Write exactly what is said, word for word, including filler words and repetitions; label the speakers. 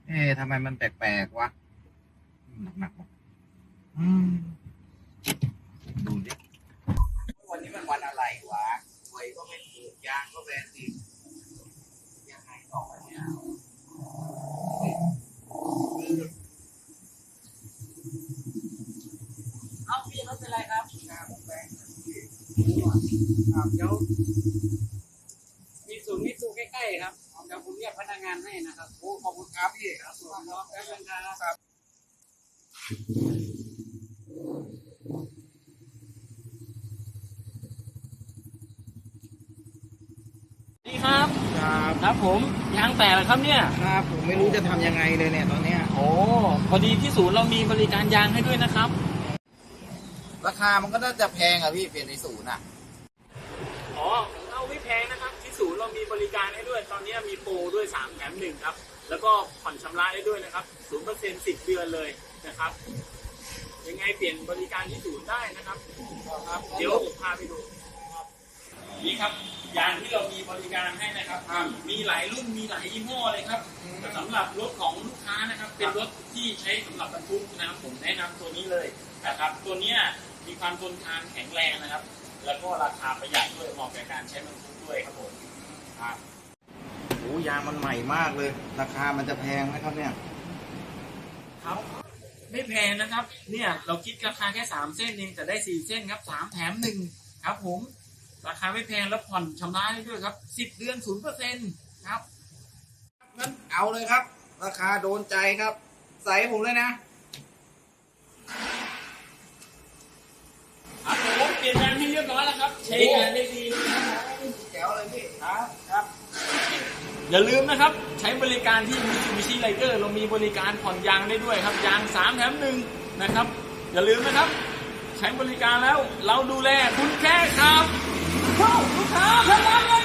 Speaker 1: เอ๊ะทำไมมันแปลกๆวะหนักๆอืมดูดิวันนี้มันวันอะไรวะหวยก็ไม่ถูกยางก็แบนติดยังไงต่อเนี่ยเอาพี่รถเป็นไรครับครับแบนครับเดี๋ยวมีศูนย์มิตซูใกล้ๆครับเดี๋ยวผมเรียกพนักงานให้นะครับโอ้ขอบคุณครับพี่ครับส่วนน้องแป๊บนึงครับ
Speaker 2: ดีครับ
Speaker 1: ครับ
Speaker 2: ครับผมยางแตกแล้วครับเนี่ย
Speaker 1: ครับผมไม่รู้จะทำยังไงเลยเนี่ยตอนเนี้ย
Speaker 2: โอ้พอดีที่ศูนย์เรามีบริการยางให้ด้วยนะครับ
Speaker 1: ราคามันก็น่าจะแพงอะพี่เปลี่ยนในศูนย์อะ
Speaker 2: อ๋อเอาไม่แพงนะครับที่ศูนย์เรามีบริการให้ด้วยตอนนี้มีโปรด้วยสามแถมหนึ่งครับแล้วก็ผ่อนชำระได้ด้วยนะครับศูนย์เปอร์เซ็นต์สิบเดือนเลยนะครับยังไงเปลี่ยนบริการที่ศูนย์ได้นะครับครับเดี๋ยวผมพาไปดูครับนี่ครับยางที่เรามีบริการให้นะครับมีหลายรุ่นมีหลายยี่ห้อเลยครับสำหรับรถของลูกค้านะครับเป็นรถที่ใช้สำหรับบรรทุกนะครับผมแนะนำตัวนี้เลยนะครับตัวเนี้ยมีความทนทานแข็งแรงนะครับแล้วก็ราคาประหยัดด้วยเหมาะกับการใช้บรรทุกด้วยครับผมครับ
Speaker 1: โอ้ยางมันใหม่มากเลย ราคามันจะแพงไหมครับเนี่ย
Speaker 2: ครับไม่แพงนะครับเนี่ยเราคิดราคาแค่สามเส้นเองแต่ได้สี่เส้นครับสามแถมหนึ่งครับผมราคาไม่แพงแล้วผ่อนชำระได้ด้วยครับสิบเดือนศูนย์เปอร์เซ็นต์ครับ
Speaker 1: งั้นเอาเลยครับ ราคาโดนใจครับ ใส่ให้ผมเลยนะครับ
Speaker 2: ผมเปลี่ยนยางให้เรียบร้อยแล้วครับใช้งานได้ดีนะครับ
Speaker 1: แจ๋วเลยพี่
Speaker 2: ครับครับอย่าลืมนะครับใช้บริการที่ Mitsubishi Rider เรามีบริการผ่อนยางได้ด้วยครับยางสามแถมหนึ่งนะครับอย่าลืมนะครับใช้บริการแล้วเราดูแลคุณแค่ครับเข้าลูกค้าพนักงาน